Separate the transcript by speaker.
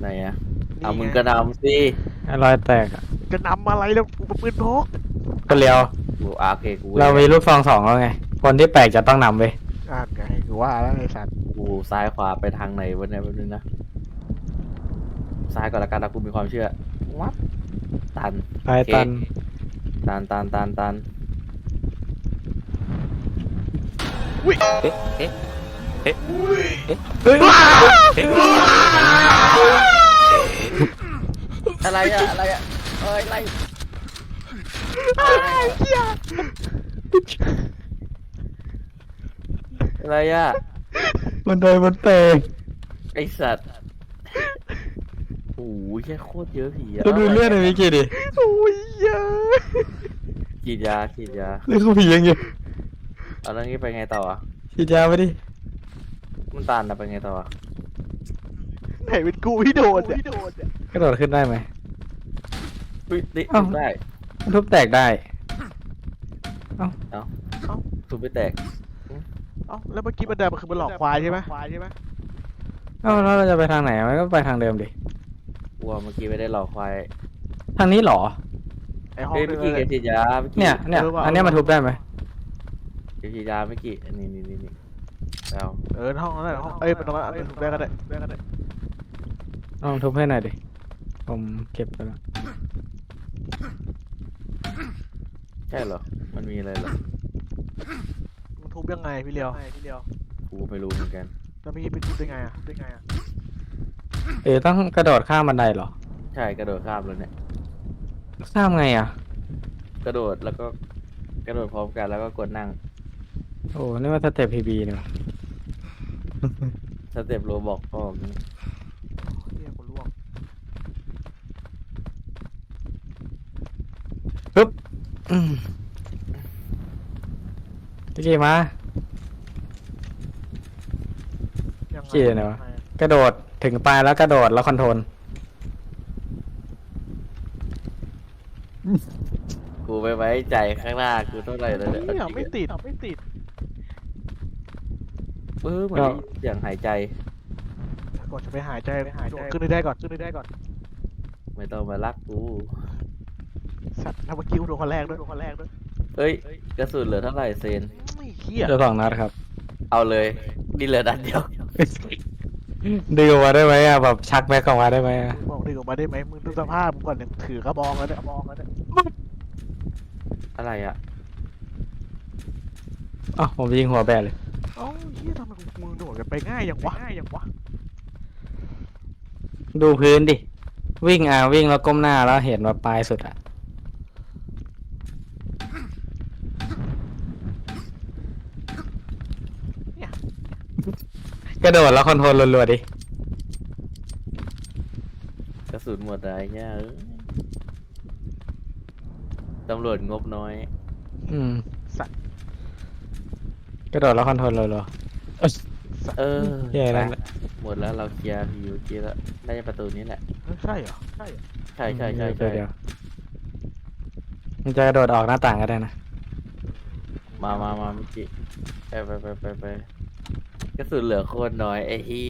Speaker 1: ไหนอะ
Speaker 2: นี่ไง
Speaker 1: มึงกระนำสิ
Speaker 3: รอยแตกอะ
Speaker 2: จะนำอะไรแล้วกูปืนพก
Speaker 3: ก็เลี้ยว
Speaker 1: กูโอเคกู
Speaker 3: เรามีลูกซองสองแล้วไงคนที่แปลกจะต้องนำไป
Speaker 2: ไงกูว่าแล้วไอ้สัตว์
Speaker 1: กูซ้ายขวาไปทางไหนวะเนี่ยแป๊บนึงนะซ้ายก่อนละกันนะกูมีความเชื่อวัดตัน
Speaker 3: ไปตัน
Speaker 1: ตัน
Speaker 2: อุ้ย
Speaker 3: เฮ้ย
Speaker 1: อะไรอะเอ้ยอะไร
Speaker 2: เหี้ย
Speaker 1: อะไรอะ
Speaker 3: มันโดนมันแตก
Speaker 1: ไอสัตว์โอ้ยแค่โคตรเยอะผีอะ
Speaker 3: ก็ดูเลือดในวิกิดิ
Speaker 2: โอ้ยเยอะ
Speaker 1: ฉีดยา
Speaker 3: เลือดเขาผียังอยู่
Speaker 1: เอาแล้วงี้ไปไงต่ออะ
Speaker 3: ฉีดยาไปดิ
Speaker 1: มันตันอะไปไงต่ออะ
Speaker 2: ไหนเป็นกูที่โดนเนี่ย
Speaker 3: กระโดดขึ้นได้ไหม
Speaker 1: อุ้ยนี่
Speaker 3: เอ้า
Speaker 1: ได้
Speaker 3: มันทุบแตกได้
Speaker 1: ทุบไปแตก
Speaker 2: เอ้าแล้วเมื่อกี้มันเดินมันคือมันหลอกควายใช่ไหม
Speaker 3: เอ้าแล้วเราจะไปทางไหนมันก็ไปทางเดิมดิ
Speaker 1: วัวเมื่อกี้ไม่ได้หลอกควาย
Speaker 3: ทางนี้เหรอ
Speaker 2: ไอ้ห้อง
Speaker 1: เฮ้ย
Speaker 2: นึ
Speaker 1: เมื่
Speaker 2: ง
Speaker 1: อกี้แกฉีดยาเมื่อกี้
Speaker 3: เนี่ยอันเนี้ยมันทุบได้ไหม
Speaker 1: แกฉีดยาเมื่อกี้นี่เอา
Speaker 2: ห้องนั้นแหละห้องมันตรงนั้นถูกได้ก็ได้
Speaker 3: ลองทุบให้หน่อยดิผมเก็บไปแล้ว
Speaker 1: ใช่เหรอมันมีอะไรเหรอ
Speaker 2: มันทุบยังไงพี่เลียว
Speaker 1: กูไม่รู้เหมือนกัน
Speaker 2: แล้วพี่ไปทุบได้ไงอ่ะ
Speaker 3: ต้องกระโดดข้ามบันไดเหรอ
Speaker 1: ใช่กระโดดข้ามแล้วเนี่ย
Speaker 3: ข้ามไงอ่ะ
Speaker 1: กระโดดแล้วก็กระโดดพร้อมกันแล้วก็กดนั่ง
Speaker 3: โอ้นี่มันสเต็ปพีบีนี่หว่า
Speaker 1: สเต็ปโรบอกก็
Speaker 2: เฮียกูล่วง
Speaker 3: อืมพี่กีมา
Speaker 2: ยังไง
Speaker 3: เหี้ยไหนวะ กระโดดถึงปลายแล้วกระโดดแล้วคอนโทรล
Speaker 1: กูไปไว้ใจข้างหน้ากูเท่าไหร่แล้วเนี่ย
Speaker 2: เนี่ยไม่ติด
Speaker 1: เหมือนได้ยินเสียงหายใจ
Speaker 2: ก่อนจะไปหายใจขึ้นได้ก่อน
Speaker 1: ไม่ต้องมารักกู
Speaker 2: สัตว์ถ้าเมื่อกี้กูโดนคนแรกด้วย
Speaker 1: เอ้ยกระสุนเหลือเท่าไหร่เซน
Speaker 2: ไม่เฮีย
Speaker 3: เดี๋ยว2 นัดครับ
Speaker 1: เอาเลยนี่เหลือนัดเดียว
Speaker 3: ดึงออกมาได้ไหมอ่ะแบบชักแม็กออกมาได้ไหมอ่ะ
Speaker 2: บอกดึงออกมาได้ไหมมึงดูสภาพมึงก่อนเนี่ยถือกระบองแล้วเนี่ย
Speaker 1: อะไรอะ
Speaker 3: อ๋อผมยิงหัวแบนเลย
Speaker 2: เอ้าเฮียทำไมมึงโดดกันไปง่ายอย่างวะ
Speaker 3: ดูพื้นดิ วิ่งวิ่งแล้วก้มหน้าแล้วเห็นว่าปลายสุดอ่ะ กระโดดแล้วคอนโทรลรัวๆดิ
Speaker 1: กระสุนหมดอะไรเงี้ยตำรวจงบน้อย
Speaker 3: อืม
Speaker 2: สัตว์
Speaker 3: กระโดดแล้วคอนโทรลรัว
Speaker 1: เออ
Speaker 3: แย่แล้ว
Speaker 1: ไปหมดแล้วเราเคลียร์ผีเมื่อกี้แล้วน่าจะประตูนี้แหละ
Speaker 2: ใช่เหรอ
Speaker 1: ใช่
Speaker 3: ๆ
Speaker 1: ใช่
Speaker 3: เดี๋ยวมันจะกระโดดออกหน้าต่างก็ได้นะ
Speaker 1: มาเมื่อกี้ไปกระสุนเหลือโคตรน้อยไอ้ฮี